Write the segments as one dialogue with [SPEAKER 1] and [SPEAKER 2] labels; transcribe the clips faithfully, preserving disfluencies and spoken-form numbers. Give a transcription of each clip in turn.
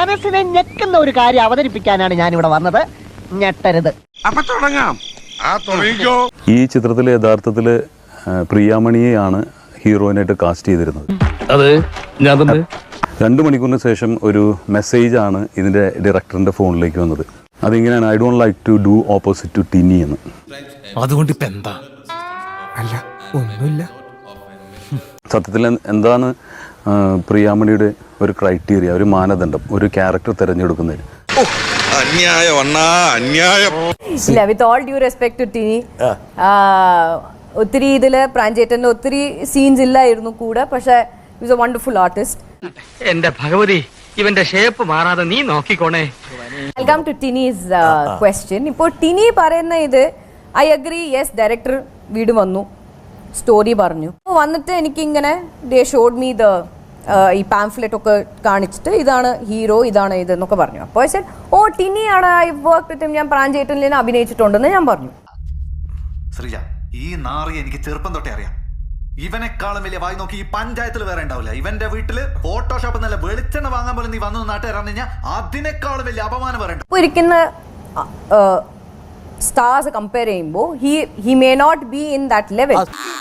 [SPEAKER 1] മനസ്സിനെ ഞെക്കുന്ന ഒരു കാര്യം അവതരിപ്പിക്കാനാണ് ഞാൻ ഇവിടെ വന്നത്. ഞെട്ടരുത്.
[SPEAKER 2] അപ്പൊ തുടങ്ങാം. ആ തുടങ്ങിക്കോ.
[SPEAKER 3] ഈ ചിത്രത്തിൽ യഥാർത്ഥത്തിൽ പ്രിയാമണിയെയാണ് ഹീറോയിനായിട്ട് കാസ്റ്റ് ചെയ്തിരുന്നത്.
[SPEAKER 4] അത് ഞാൻ തന്നെ
[SPEAKER 3] രണ്ട് മണിക്കൂറിന് ശേഷം ഒരു മെസ്സേജ് ആണ് ഇതിന്റെ ഡയറക്ടറിന്റെ ഫോണിലേക്ക് വന്നത്. അതിങ്ങനെയാണ്, I don't like to do opposite to Tini എന്ന്.
[SPEAKER 4] അതുകൊണ്ട് ഇപ്പൊ എന്താ?
[SPEAKER 5] അല്ല ഒന്നുമില്ല.
[SPEAKER 3] സത്യത്തിൽ എന്താണ് പ്രിയാമണിയുടെ ഒരു ക്രൈറ്റീരിയ, ഒരു മാനദണ്ഡം ഒരു ക്യാരക്ടർ തിരഞ്ഞെടുക്കുന്നതിന്?
[SPEAKER 2] അന്യായം അണ്ണാ, അന്യായം.
[SPEAKER 6] ഇല്ല, with all due respect to Tini, ഒത്തിരി ഇതില് പ്രാഞ്ചേട്ടന്റെ ഒത്തിരി സീൻസ് ഇല്ലായിരുന്നു കൂടെ. പക്ഷെ ഈസ് എ വണ്ടർഫുൾ ആർട്ടിസ്റ്റ്.
[SPEAKER 7] എന്റെ ഭഗവതി, ഇവന്റെ ഷേപ്പ് മാറാതെ നീ നോക്കിക്കോണേ.
[SPEAKER 6] Welcome to Tini's question. ഇപ്പോൾ ടിനി പറയുന്ന ഇത് ഐ അഗ്രി, യെസ് ഡയറക്ടർ വീട് വന്നു, സ്റ്റോറി പറഞ്ഞു. വന്നിട്ട് എനിക്കിങ്ങനെ ദേ ഷോഡ് മീ ദ ഈ പാംഫ്ലെറ്റ് ഒക്കെ കാണിച്ചിട്ട് ഇതാണ് ഹീറോ, ഇതാണ് ഇത് എന്നൊക്കെ പറഞ്ഞു. അപ്പോൾ ശരി, ഓ ടിനിയാണ്, ഐ വർക്ക് വിത്ത് ഹിം, ഞാൻ പ്രാഞ്ചേട്ടനിൽ അഭിനയിച്ചിട്ടുണ്ടെന്ന് ഞാൻ പറഞ്ഞു.
[SPEAKER 8] ശ്രീജ, ഈ നാറി എനിക്ക് ചെറുപ്പം തൊട്ടേ അറിയാം. ഇവനെക്കാളും വലിയ വായി നോക്കി ഈ പഞ്ചായത്തിൽ വേറെ ഉണ്ടാവില്ല. ഇവന്റെ വീട്ടില് ഫോട്ടോഷോപ്പ് നല്ല വെളിച്ചെണ്ണ വാങ്ങാൻ പോലും നീ വന്നു നാട്ടുകാരാണ് കഴിഞ്ഞാൽ അതിനേക്കാളും വലിയ അപമാനം പറയണ്ട.
[SPEAKER 6] ഇപ്പോൾ ഇരിക്കുന്ന സ്റ്റാർസ് കമ്പയർ ചെയ്യുമ്പോൾ he he may not be in that level.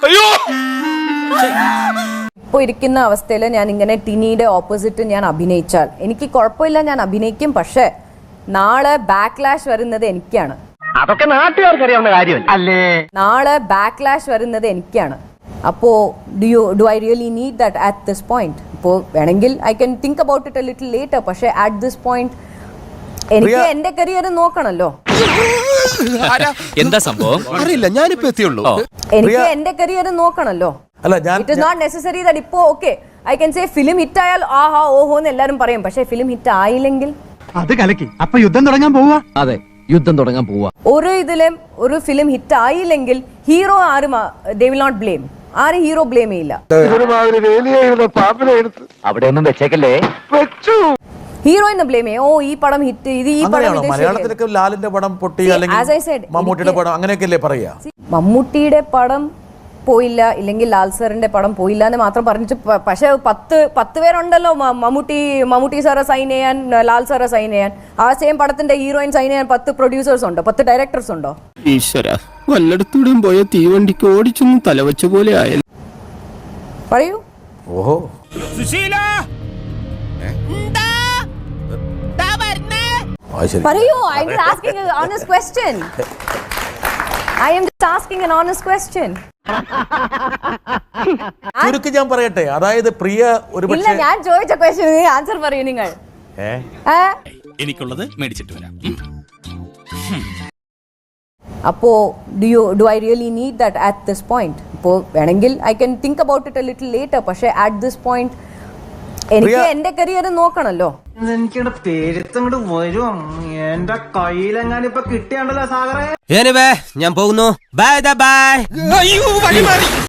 [SPEAKER 6] ഇപ്പോൾ ഇരിക്കുന്ന അവസ്ഥയിൽ ഞാൻ ഇങ്ങനെ ടിനിയുടെ ഓപ്പോസിറ്റ് ഞാൻ അഭിനയിച്ചാൽ എനിക്ക് കുഴപ്പമില്ല, ഞാൻ അഭിനയിക്കും. പക്ഷെ നാളെ ബാക്ക്ലാഷ് വരുന്നത് എനിക്കാണ്.
[SPEAKER 1] അതൊക്കെ നാട്ടുകാർക്ക് അറിയാവുന്ന കാര്യമല്ല അല്ലേ?
[SPEAKER 6] നാളെ ബാക്ക്ലാഷ് വരുന്നത് എനിക്കാണ്. അപ്പോ do you do I really need that at this point? ഇപ്പോൾ വേണമെങ്കിൽ I can think about it a little later. പക്ഷെ അറ്റ് ദിസ് പോയിന്റ് എനിക്ക് എന്റെ കരിയർ നോക്കണല്ലോ.
[SPEAKER 4] എന്താ സംഭവം
[SPEAKER 5] അറിയില്ല, ഞാനിപ്പോ എത്തിയുള്ളൂ.
[SPEAKER 6] എനിക്ക് എന്റെ കരിയർ നോക്കണല്ലോ.
[SPEAKER 5] അല്ല, ഞാൻ
[SPEAKER 6] it is not necessary that ഇപ്പോ okay I can say film hit ആയാൽ ആഹാ ഓഹോ എന്ന് എല്ലാവരും പറയും. പക്ഷെ ഫിലിം ഹിറ്റ് ആയില്ലെങ്കിൽ
[SPEAKER 9] അത് കലക്കി. അപ്പൊ യുദ്ധം തുടങ്ങാൻ പോവാ.
[SPEAKER 4] അതെ, യുദ്ധം തുടങ്ങാൻ പോവാ.
[SPEAKER 6] ഒരു ഇതിലും ഒരു ഫിലിം ഹിറ്റ് ആയില്ലെങ്കിൽ ഹീറോ ആരും ദേ വിൽ നോട്ട് ബ്ലെയിം. ആരും ഹീറോ ബ്ലെയിം ചെയ്യില്ല.
[SPEAKER 7] അവിടെ ഒന്നും വെച്ചേക്കല്ലേ.
[SPEAKER 6] ഹീറോയിനെ ബ്ലെയിം ചെയ്യും. ഓ ഈ പടം ഹിറ്റ്, ഇത് ഈ പടം.
[SPEAKER 5] മലയാളത്തിലൊക്കെ ലാലിന്റെ പടം പൊട്ടി, അല്ലെങ്കിൽ മമ്മൂട്ടിയുടെ പടം അങ്ങനെയൊക്കെയല്ലേ പറയാ.
[SPEAKER 6] മമ്മൂട്ടിയുടെ പടം പോയില്ല, ഇല്ലെങ്കിൽ ലാൽ സാറിന്റെ പടം പോയില്ല എന്ന് മാത്രം പറഞ്ഞിട്ട്, പക്ഷെ പത്ത് പത്ത് പേരുണ്ടല്ലോ മമ്മൂട്ടി മമ്മൂട്ടി സാറെ സൈൻ ചെയ്യാൻ, ലാൽ സാറെ സൈൻ ചെയ്യാൻ. ആ സെയിം പടത്തിന്റെ ഹീറോയിൻ സൈൻ ചെയ്യാൻ പത്ത് പ്രൊഡ്യൂസേഴ്സ് ഉണ്ടോ, പത്ത് ഡയറക്ടേഴ്സ് ഉണ്ടോ?
[SPEAKER 10] ഈശ്വര, വല്ലയിടത്തൂടെയും പോയ തീവണ്ടിക്ക് ഓടിച്ചൊന്നും തലവെച്ച പോലെ ആയ.
[SPEAKER 6] പറയൂ.
[SPEAKER 5] ഓഹോ,
[SPEAKER 6] പറയൂ. I am asking a honest question. I am just asking an honest question.
[SPEAKER 5] ചുരുക്കി ഞാൻ പറയട്ടെ, അതായത് പ്രിയ ഒരു
[SPEAKER 6] ഇല്ല, ഞാൻ ചോദിച്ച ക്വസ്റ്റ്യന് ആൻസർ പറയൂ നിങ്ങൾ.
[SPEAKER 4] എനിക്കുള്ളത് മേടിച്ചിട്ട് വരാം.
[SPEAKER 6] അപ്പോ do you do I really need that at this point? ഇപ്പോൾ വേണമെങ്കിൽ I can think about it a little later. പക്ഷെ അറ്റ് ദിസ് പോയിന്റ് എനിക്ക് എന്റെ കരിയർ നോക്കണല്ലോ.
[SPEAKER 7] എനിക്കിവിടെ പേരുത്തങ്ങോട്ട് വരും. എന്റെ കയ്യിലെങ്ങാനും ഇപ്പൊ കിട്ടിയാണ്ടല്ലോ സാഗറേ.
[SPEAKER 10] ഞാൻ പോകുന്നു. Bye by.